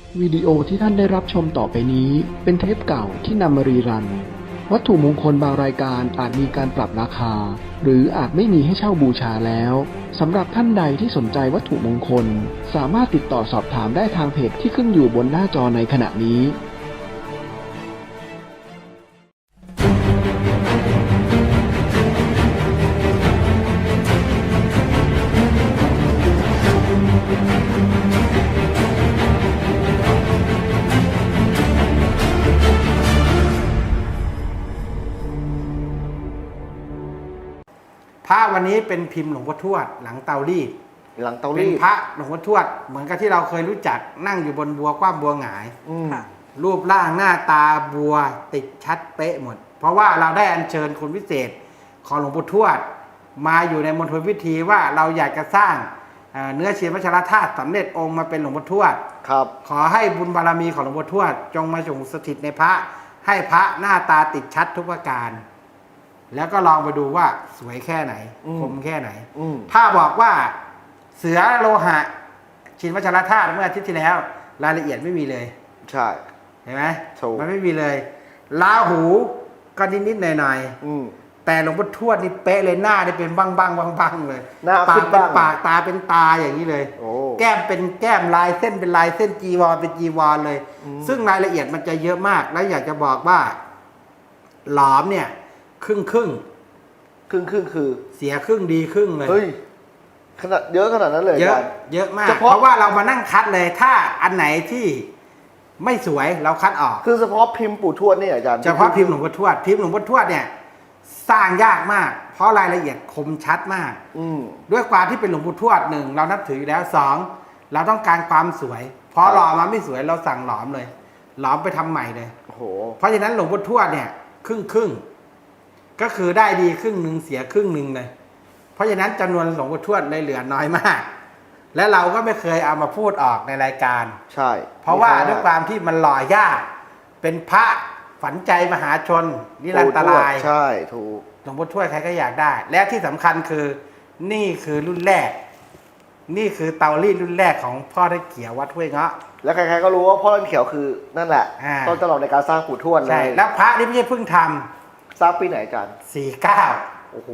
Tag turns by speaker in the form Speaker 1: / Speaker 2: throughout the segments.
Speaker 1: วิดีโอที่ท่านได้รับชมต่อไปนี้เป็นเทปเก่าที่นำมารีรันวัตถุมงคลบางรายการอาจมีการปรับราคาหรืออาจไม่มีให้เช่าบูชาแล้วสำหรับท่านใดที่สนใจวัตถุมงคลสามารถติดต่อสอบถามได้ทางเพจที่ขึ้นอยู่บนหน้าจอในขณะนี้
Speaker 2: พระวันนี้เป็นพิมพ์หลวงพ่อทวดหลังเตารีดเป็
Speaker 3: หลังเตารีด
Speaker 2: นพระหลวงพ่อทวดเหมือนกับที่เราเคยรู้จักนั่งอยู่บนบัวคว่ำบัวหงายรูปร่างหน้าตาบัวติดชัดเป๊ะหมดเพราะว่าเราได้อัญเชิญคนพิเศษของหลวงพ่อทวดมาอยู่ในมณฑลพิธีว่าเราอยากจะสร้างเนื้อเชียนวัชรธาตุสำเร็จองค์มาเป็นหลวงพ่อทวด
Speaker 3: ครับ
Speaker 2: ขอให้บุญบารมีของหลวงพ่อทวดจงมาจงสถิตในพระให้พระหน้าตาติดชัดทุกประการแล้วก็ลองไปดูว่าสวยแค่ไหนคมแค่ไหนถ้าบอกว่าเสือโลหะชินวัชรธาตุเมื่ออาทิตย์ที่แล้วรายละเอียดไม่มีเลย
Speaker 3: ใช่
Speaker 2: เห็นไหม
Speaker 3: ถูก
Speaker 2: มันไม่มีเลยราหูก็นิดๆหน่อยๆแต่หลวงพ่อทวดนี่เป๊ะเลยหน้านี่เป็นบ้างๆเลย
Speaker 3: หน้า
Speaker 2: ปากเป็นปาก
Speaker 3: ตา
Speaker 2: ตาเป็นตาอย่างนี้เลยแก้มเป็นแก้มลายเส้นเป็นลายเส้นจีวรเป็นจีวรเลยซึ่งรายละเอียดมันจะเยอะมากแล้วอยากจะบอกว่าหลอมเนี่ยครึ่ง
Speaker 3: คือ
Speaker 2: เสียครึ่งดีครึ่งเลย
Speaker 3: เฮ้ยขนาดเยอะขนาดนั้นเลย
Speaker 2: เยอะมากเพราะว่าเรามานั่งคัดเลยถ้าอันไหนที่ไม่สวยเราคัดออก
Speaker 3: คือเฉพาะพิมพ์ปู่ทวดนี่อาจารย์
Speaker 2: เฉพาะพิมพ์หลวงพ่อทวดพิมพ์หลวงพ่อทวดเนี่ยสร้างยากมากเพราะรายละเอียดคมชัดมากด้วยความที่เป็นหลวงพ่อทวดหนึ่งเรานับถืออยู่แล้วสองเราต้องการความสวยเพราะหล่อมาไม่สวยเราสั่งหลอมเลยหลอมไปทำใหม่เลย
Speaker 3: โอ้โห
Speaker 2: เพราะฉะนั้นหลวงพ่อทวดเนี่ยครึ่งก็คือได้ดีครึ่งหนึ่งเสียครึ่งหนึ่งเลยเพราะฉะนั้นจำนวนหลวงพ่อทวดเลยเหลือน้อยมากและเราก็ไม่เคยเอามาพูดออกในรายการ
Speaker 3: ใช่
Speaker 2: เพราะว่าด้วยความที่มันหล่อยากเป็นพระฝันใจมหาชนนิรันตราย
Speaker 3: ใช่ถูก
Speaker 2: หลวงพ่อทวดใครก็อยากได้และที่สำคัญคือนี่คือรุ่นแรกนี่คือเตารีดรุ่นแรกของพ่อท่านเขียววัดห้วยเงาะ
Speaker 3: และใครๆก็รู้ว่าพ่อท่านเขียวคือนั่นแหละต้นตลอดในการสร้างปู่ทวดเลย
Speaker 2: ใช่แล้วพระนี่ไม่ใช่เพิ่งทำ
Speaker 3: สร้างปีไหนอาจารย์
Speaker 2: 49
Speaker 3: โอ้โห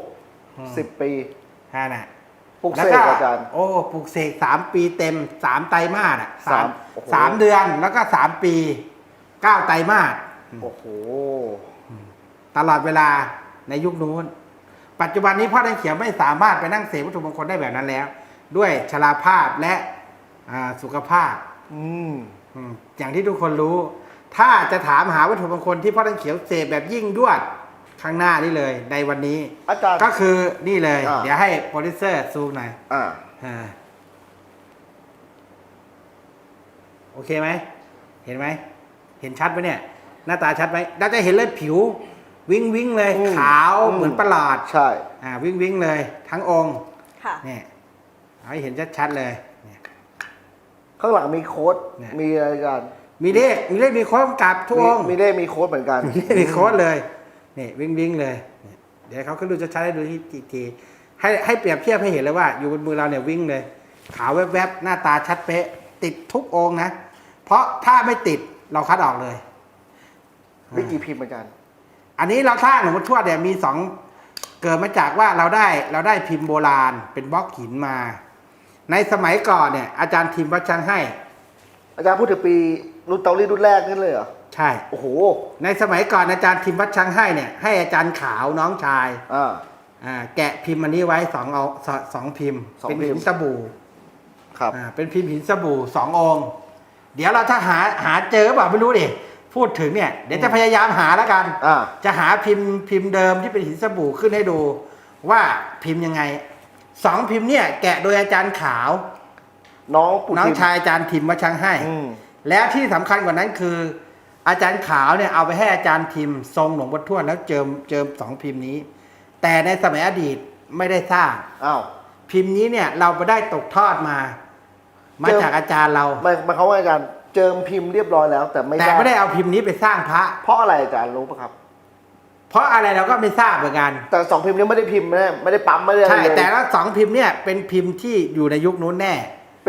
Speaker 3: 10 ปี
Speaker 2: น่ะ
Speaker 3: ปลูกเสกอาจารย์
Speaker 2: โอ้ปลูกเสก3 ปีเต็ม3 ไตรมาสอ่ะ3 เดือนแล้วก็3 ปี9 ไตรมาส
Speaker 3: โอ้โห
Speaker 2: ตลอดเวลาในยุคนู้นปัจจุบันนี้พ่อท่านเขียวไม่สามารถไปนั่งเสกวัตถุมงคลได้แบบนั้นแล้วด้วยชราภาพและสุขภาพอย่างที่ทุกคนรู้ถ้าจะถามหาวัตถุมงคลที่พ่อท่านเขียวเสกแบบยิ่งยวดข้างหน้านี่เลยในวันนี้
Speaker 3: อาจารย์
Speaker 2: ก็คือนี่เลยเดี๋ยวให้โปรดิวเซอร์ซูมหน่อยโอเคไหมเห็นไหมเห็นชัดไหมเนี่ยหน้าตาชัดไหมเราจะเห็นเลยผิววิ้งเลยขาวเหมือนประหลอด
Speaker 3: ใช่
Speaker 2: วิ้งเลยทั้งองค์เนี่ยให้เห็นชัดๆเลย
Speaker 3: ข้างหลังมีโค้ดมีอะไรกัน
Speaker 2: มีเลขมีโค้ดกำกับทุกองค์
Speaker 3: มีเลขมีโค้ดเหมือนกัน
Speaker 2: มีโค้ดเลยนี่วิ้งเลยเดี๋ยวเขาก็ดูจะใช้ให้ดูที่ทีให้เปรียบเทียบให้เห็นเลยว่าอยู่บนมือเราเนี่ยวิ่งเลยขาวแวบๆหน้าตาชัดเป๊ะติดทุกองค์นะเพราะถ้าไม่ติดเราคัดออกเลย
Speaker 3: ไม่กี่พิมพ์เหมือนกัน
Speaker 2: อันนี้เราสร้างหลวงพ่อทวดเนี่ยมี2เกิดมาจากว่าเราได้พิมพ์โบราณเป็นบล็อกหินมาในสมัยก่อนเนี่ยอาจารย์ทิมวัดช่างให้
Speaker 3: อาจารย์พูดถึงปีรุ่นเตารีดรุ่นแรกนั่นเลยเหรอ
Speaker 2: ใช่
Speaker 3: โอ้โห
Speaker 2: ในสมัยก่อนอาจารย์ทิมวัดช่างให้เนี่ยให้อาจารย์ขาวน้องชายแกะพิมพ์อันนี้ไว้2พิมพ์เป็นหินสบู่
Speaker 3: ครับ
Speaker 2: เป็นพิมพ์หินสบู่2 องค์เดี๋ยวเราถ้าหาเจอเปล่าไม่รู้ดิพูดถึงเนี่ยเดี๋ยวจะพยายามหาแล้วกันจะหาพิมพ์เดิมที่เป็นหินสบู่ขึ้นให้ดูว่าพิมพ์ยังไง2 พิมพ์เนี่ยแกะโดยอาจารย์ขาวน้องชายอาจารย์ทิมวัดช่างให้แล้วที่สำคัญกว่านั้นคืออาจารย์ขาวเนี่ยเอาไปให้อาจารย์ทิมทรงหลวงพ่อทวดแล้วเจิม2 พิมพ์นี้แต่ในสมัยอดีตไม่ได้สร้างพิมพ์นี้เนี่ยเราไปได้ตกทอดมาจากอาจารย์เรา
Speaker 3: ไม่เขาว่าอาจารย์เจิมพิมพ์เรียบร้อยแล้วแต่
Speaker 2: ไม่ได้เอาพิมพ์นี้ไปสร้างพระ
Speaker 3: เพราะอะไรอาจารย์รู้ปะครับ
Speaker 2: เพราะอะไรเราก็ไม่ทราบเหมือนกัน
Speaker 3: แต่2 พิมพ์นี้ไม่ได้พิมพ์ไม่ได้ปั๊มไม่ได้
Speaker 2: ใช่แต่ละ2 พิมพ์เนี่ยเป็นพิมพ์ที่อยู่ในยุคนู้นแน่
Speaker 3: เป็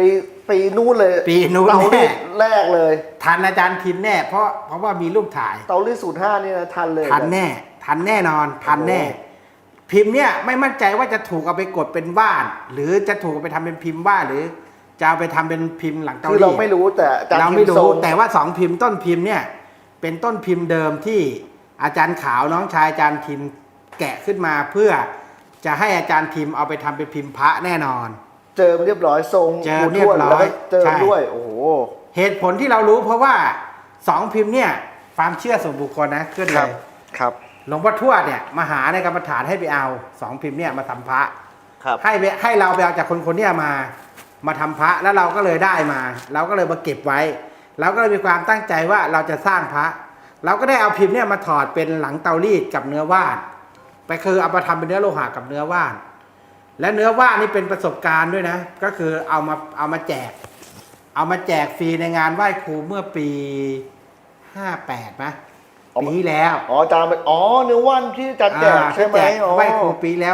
Speaker 3: ปีนู้นเลย
Speaker 2: ปีนู้น
Speaker 3: เตารี
Speaker 2: แน่
Speaker 3: ดแรกเลย
Speaker 2: ทันอาจารย์ทิมแน่เพราะว่ามีรูปถ่าย
Speaker 3: เตารีด05นี่นะทันเลย
Speaker 2: ทันแน่ทันแน่นอนทันแน่
Speaker 3: โอ้
Speaker 2: พิมพ์เนี่ยไม่มั่นใจว่าจะถูกเอาไปกดเป็นว่าน หรือจะถูกเอาไปทำเป็นพิมพ์ว่านหรือจะเอาไปทำเป็นพิมพ์หลังเตา
Speaker 3: คือ
Speaker 2: รี
Speaker 3: เรา
Speaker 2: ด
Speaker 3: ไม่รู้แต่อาจารย์
Speaker 2: เราไม่
Speaker 3: พิพ์โซ
Speaker 2: รู้
Speaker 3: น
Speaker 2: แต่ว่าสองพิมพ์ต้นพิมพ์เนี่ยเป็นต้นพิมพ์เดิมที่อาจารย์ขาวน้องชายอาจารย์ทิมแกะขึ้นมาเพื่อจะให้อาจารย์ทิมเอาไปทำเป็นพิมพ์พระแน่นอน
Speaker 3: เจิมเรียบร้อยทรง
Speaker 2: เจิม
Speaker 3: ปู่ทวด
Speaker 2: เรียบร้อย
Speaker 3: แล้วก็เจิม
Speaker 2: ใช่
Speaker 3: ด้วยโอ้โห
Speaker 2: เหตุผลที่เรารู้เพราะว่าสองพิมพ์เนี่ยความเชื่อส่วนบุคคลนะขึ้น
Speaker 3: ค
Speaker 2: เล
Speaker 3: รับ
Speaker 2: ย
Speaker 3: ครับ
Speaker 2: หลวงพ่อทวดเนี่ยมาหาในกรรมฐานให้ไปเอาสองพิมพ์เนี่ยมาทำพระ
Speaker 3: ครับ
Speaker 2: ให้เราไปเอาจากคนเนี่ยมาทำพระแล้วเราก็เลยได้มา เราก็เลยมาเก็บไว้เราก็เลยมีความตั้งใจว่าเราจะสร้างพระ เราก็ได้เอาพิมพ์เนี่ยมาถอดเป็นหลังเตารีดกับเนื้อว่านไปคือเอามาทำเป็นเนื้อโลหะกับเนื้อว่าน และเนื้อว่านนี่เป็นประสบการณ์ด้วยนะ ก็คือเอามาแจกฟรีในงานไหว้ครูเมื่อปี58นะปีที่แล้ว
Speaker 3: อ๋ออาจารย์เนื้อว่านที่อาจารย์แจกใช่ไหม
Speaker 2: แจก
Speaker 3: อ๋อ
Speaker 2: ไหว้ครูปีแล้ว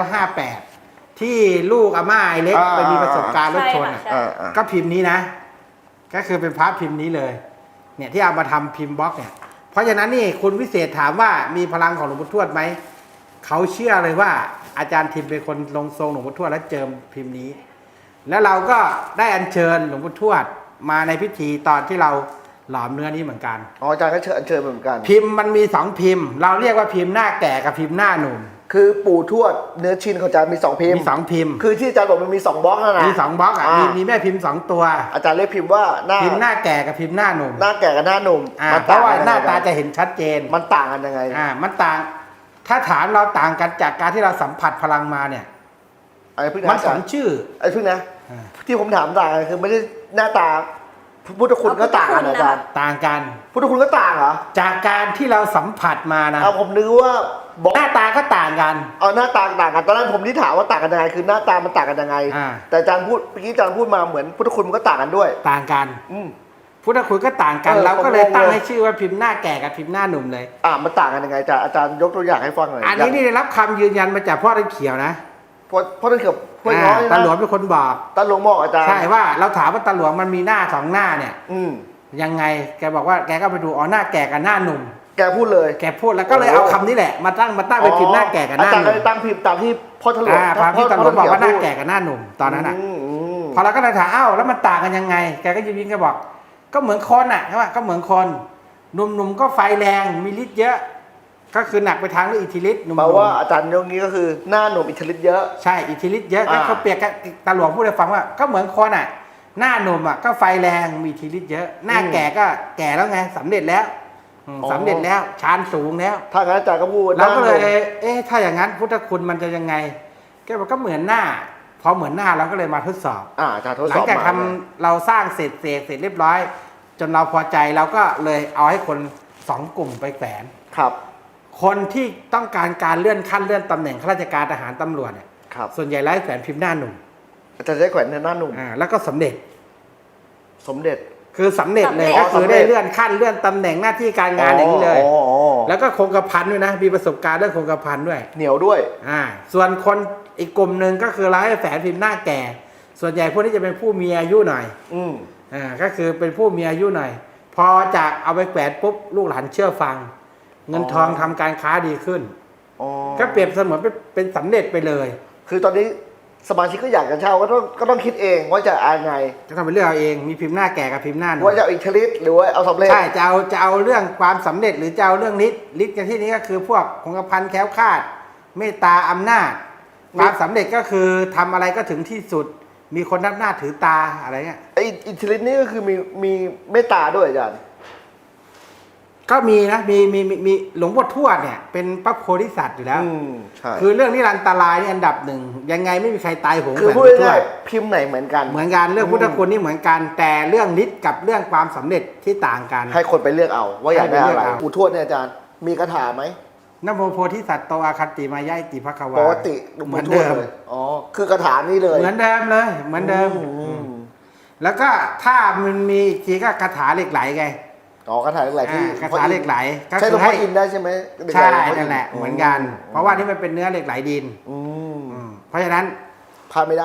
Speaker 2: 58ที่ลูกอาม่าไอเล็ก
Speaker 3: อ่า
Speaker 2: ไปมีประสบการณ์รถชน
Speaker 4: ใช่
Speaker 2: อะ
Speaker 4: ค่ะ
Speaker 3: อ่า
Speaker 2: ก็พิมพ์นี้นะ ก็คือเป็นพระพิมพ์นี้เลย เนี่ยที่เอามาทำพิมพ์บล็อกเนี่ย เพราะฉะนั้นนี่คุณวิเศษถามว่ามีพลังของหลวงพ่อทวดไหม เขาเชื่อเลยว่าอาจารย์ทิมเป็นคนลงทรงหลวงพ่อทวดและเจิมพิมพ์นี้ แล้วเราก็ได้อัญเชิญหลวงพ่อทวดมาในพิธีตอนที่เราหลอมเนื้อนี้เหมือนกัน
Speaker 3: อ๋ออาจารย์ก็เชิญเหมือนกัน
Speaker 2: พิมพ์มันมีสองพิมพ์ เราเรียกว่าพิมพ์หน้าแก่กับพิมพ์หน้าหนุ่ม
Speaker 3: คือปู่ทวดเนื้อชิ้นของอาจารย์มี2พิมพ์
Speaker 2: มีสองพิมพ์
Speaker 3: คือที่อาจารย์บอกมันมี2บล็อกนะนะ
Speaker 2: มีสองบล็อกอ่ะมีแม่พิมพ์สองตัว
Speaker 3: อาจารย์เรียกพิมพ์ว่าหน้า
Speaker 2: พิมพ์หน้าแก่กับพิมพ์หน้าหนุ่ม
Speaker 3: หน้าแก่กับหน้าหนุ่ม
Speaker 2: เพราะว่าหน้าตาจะ
Speaker 3: เห็น
Speaker 2: เห็นชัดเจน
Speaker 3: มันต่างกันยังไง
Speaker 2: มันต่าง ถ้าถามเราต่างกันจากการที่เราสัมผัสพลังมาเนี่ย
Speaker 3: ไอ้พึ่ง
Speaker 2: มัน
Speaker 3: นะ
Speaker 2: สองชื่อ
Speaker 3: ไอ้พึ่งนะ
Speaker 2: อ่า
Speaker 3: ที่ผมถามต่างกันคือไม่ได้หน้าตาพุทธคุณก็ต่างกันนะอาจารย์
Speaker 2: ต่างกัน
Speaker 3: พุทธคุณก็ต่างเหรอ
Speaker 2: จากการที่เราสัมผัสมานะ
Speaker 3: เอาผมนึกว่าบล็อก
Speaker 2: หน้าตาก็ต่างกัน
Speaker 3: เอาหน้าตาต่างกันตอนนั้นผมที่ถามว่าต่างกันยังไงคือหน้าตามันต่างกันยังไง
Speaker 2: อ่า
Speaker 3: แต่อาจารย์พูดเมื่อกี้อาจารย์พูดมาเหมือนพุทธคุณมันก็ต่างกันด้วย
Speaker 2: ต่างกัน
Speaker 3: อืม
Speaker 2: พุทธคุณก็ต่างกัน
Speaker 3: เออ
Speaker 2: เราก็เลย
Speaker 3: ผมงง
Speaker 2: ตั้ง
Speaker 3: เลย
Speaker 2: ให้ชื่อว่าพิมพ์หน้าแก่กับพิมพ์หน้าหนุ่มเลย
Speaker 3: มันต่างกันยังไงอาจารย์ยกตัวอย่างให้ฟังหน่อย
Speaker 2: อันนี้นี่ได้รับคำยืนยันมาจากพ่อตะเขียวนะ
Speaker 3: เพราะนั่นเกือบห้วยน้อย
Speaker 2: ตา
Speaker 3: นะ
Speaker 2: หลวงเป็นคนบอก
Speaker 3: ตาหลวงบอกอาจารย์
Speaker 2: ใช่ว่าเราถามว่าตาหลวงมันมีหน้าสองหน้าเนี่ย
Speaker 3: อืม
Speaker 2: ยังไงแกบอกว่าแกก็ไปดูหน้าแก่กับหน้าหนุ่ม
Speaker 3: แกพูดเลย
Speaker 2: แกพูดแล้วก็เลยเอาคำนี้แหละมาตั้งเป็นพิมพ์หน้าแก่กับหน้า
Speaker 3: อาจารย์
Speaker 2: ห
Speaker 3: ก็
Speaker 2: นุ่ม
Speaker 3: เลยตั้งพิมพ์ตามที่พ่อทะลวง
Speaker 2: พระพี่ตำรวจบอกว่าหน้าแก่
Speaker 3: พูด
Speaker 2: กับหน้าหนุ่มตอนนั้นอ่ะ
Speaker 3: ม
Speaker 2: พอเราก็เลยถามแล้วมันต่างกันยังไง แกก็ยิ้มๆแกบอก ก็เหมือนคนอ่ะใช่ไหมก็เหมือนคนหนุ่มๆก็ไฟแรงมีฤทธิ์เยอะ ก็คือหนักไปทางเรื่องอิทธิฤทธิ์หนุ่ม
Speaker 3: แปลว่าอาจารย์ยกนี้ก็คือหน้าหนุ่มอิทธิฤทธิ์เยอะ
Speaker 2: ใช่อิทธิฤทธิ์เยอะก็
Speaker 3: อ่า
Speaker 2: เขาเปรียบกับตาหลวงพูดให้ฟังว่าก็เหมือนคนอ่ะ หน้าหนุ่มอ่ะก็ไฟแรงมีอิทธิฤทธิ์เยอะ หน้าแก่ก็แก่แล้วไงสำเร็จแล้วสำเร็จแล้วฌานสูงแล้ว
Speaker 3: ถ้างั้นอาจารย์ก็พูด
Speaker 2: เราก็เลย
Speaker 3: หน้าหนุ่ม
Speaker 2: ถ้าอย่างนั้นพุทธคุณมันจะยังไงแกบอกก็เหมือนหน้า พอเหมือนหน้าเราก็เลยมาทดสอบ
Speaker 3: อาจารย์ทด
Speaker 2: ห
Speaker 3: ส
Speaker 2: ลั
Speaker 3: อง บ
Speaker 2: จาก
Speaker 3: มา
Speaker 2: ทำเราสร้างเสร็จเรียบร้อย จนเราพอใจเราก็เลยเอาให้คนสองกลุ่มไปแขวน
Speaker 3: ครับ
Speaker 2: คนที่ต้องการเลื่อนขั้นเลื่อนตำแหน่งข้าราชการทหารตำรวจเนี่ย
Speaker 3: ครับ
Speaker 2: ส่วนใหญ่ไล่แขวนพิมพ์หน้าหนุ่ม
Speaker 3: อาจารย์ได้แขวนหน้าหนุ่ม
Speaker 2: แล้วก็สำเร็จ
Speaker 3: สมเด็จ
Speaker 2: คือสำเร็จเลย
Speaker 4: สำเร็จ
Speaker 2: ก็คือ
Speaker 3: สำเร็
Speaker 2: ได้
Speaker 3: จ
Speaker 2: เลื่อนขั้นเลื่อนตำแหน่งหน้าที่การงานอย่างนี้เลย
Speaker 3: อ๋อ
Speaker 2: แล้วก็คงกระพันด้วยนะมีประสบการณ์เรื่องคงกระพันด้วย
Speaker 3: เหนียวด้วย
Speaker 2: ส่วนคนอีกกลุ่มหนึ่งก็คือไล่แฝงพิมพ์หน้าแก่ ส่วนใหญ่พวกนี้จะเป็นผู้มีอายุหน่อย
Speaker 3: อืม
Speaker 2: ก็คือเป็นผู้มีอายุหน่อย พอจากเอาไปแขวนปุ๊บลูกหลานเชื่อฟัง เงินทองทำการค้าดีขึ้น
Speaker 3: อ๋อ
Speaker 2: ก็เปรียบเสมือนเป็นสำเร็จไปเลย
Speaker 3: คือตอนนี้สมาชิกก็อยากจะเช่าก็ต้องคิดเองว่าจะเอาไง
Speaker 2: จะทำเป็นเรื่องเอาเองมีพิมพ์หน้าแก่กับพิมพ์หน้าหนุ่ม
Speaker 3: ว่าจะเอาอิทธิฤทธิ์หรือว่าเอาสำเร็จ
Speaker 2: ใช่จะเอาเรื่องความสำเร็จหรือจะเอาเรื่องฤทธิ์กันที่นี้ก็คือพวกคงกระพันแคล้วคลาด เมตตาอำนาจความสำเร็จก็คือทำอะไรก็ถึงที่สุด มีคนนับหน้าถือตาอะไรเงี้ย
Speaker 3: ไออิทธิฤทธิ์นี่ก็คือมีเมตตาด้วยอาจารย์
Speaker 2: ก็มีนะมีหลวงพ่อทวดเนี่ยเป็นพระโพธิสัตว์อยู่แล้ว
Speaker 3: ใช่
Speaker 2: คือเรื่องนิรันตรายนี่อันดับหนึ่งยังไงไม่มีใครตายโหง
Speaker 3: คือ
Speaker 2: แบบ
Speaker 3: พูด
Speaker 2: หลวงพ่อทว
Speaker 3: ง่าย
Speaker 2: ด
Speaker 3: ๆพิมพ์ไหนเหมือนกัน
Speaker 2: เหมือนกันเรื่องพุทธคุณนี่เหมือนกัน แต่เรื่องฤทธิ์กับเรื่องความสำเร็จที่ต่างกัน
Speaker 3: ให้คนไปเลือกเอาว่าอยากได้
Speaker 2: ให้ไปเลื
Speaker 3: อะ
Speaker 2: อก
Speaker 3: ไร
Speaker 2: เอา
Speaker 3: ปู่ทวดเนี่ยอาจารย์มีคาถาไหม
Speaker 2: นะโมโพธิสัตว์โตอาคันติมายายติภควา
Speaker 3: ปกติหลวง
Speaker 2: เหมื
Speaker 3: ปู่
Speaker 2: อน
Speaker 3: ทว
Speaker 2: เดิ
Speaker 3: ด
Speaker 2: ม
Speaker 3: เลยอ๋อคือคาถานี่เลย
Speaker 2: เหมือนเดิมเลยเหมือนเดิม แล้วก็ถ้ามันมีอีกทีก็คาถาเหล็กไหลไง
Speaker 3: อ๋อคาถาเหล็กไหลที่
Speaker 2: คาถาเหล็กไหลก็
Speaker 3: ใช่หล
Speaker 2: คื
Speaker 3: วง
Speaker 2: อ
Speaker 3: พ่อ
Speaker 2: ให้
Speaker 3: อินได้ใช่ไหม
Speaker 2: ใช่นั่นแหละเหมือนกัน เพราะว่านี่มันเป็นเนื้อเหล็กไหลดิน
Speaker 3: อืม
Speaker 2: เพราะฉะนั้น
Speaker 3: พลาดไม่ได้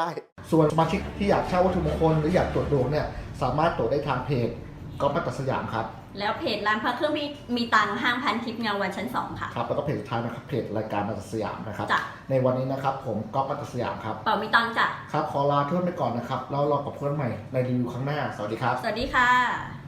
Speaker 3: ส่วนสมาชิกที่อยากเช่าวัตถุมงคลหรืออยากตรวจดวงเนี่ยสามารถตรวจได้ทางเพจก๊อฟมัตตสยามครับ
Speaker 4: แล้วเพจร้านพระเครื่องมีตังค์ห้างพันทิพย์เงาวันชั้น 2 ค่ะ
Speaker 3: ครับแล้วก็เพจสุดท้ายนะครับเพจรายการมัตตสยามนะครับ
Speaker 4: จ้ะ
Speaker 3: ในวันนี้นะครับผมก๊อฟมัตตสยามครับ
Speaker 4: เป่ามีตังค์จ้ะ
Speaker 3: ครับขอลาเพื่อนไปก่อนนะครับแล้วรอกับเพื่อนใหม่ในรีวิวครั้งหน้าสวัสดีครับ
Speaker 4: สวัสดีค่ะ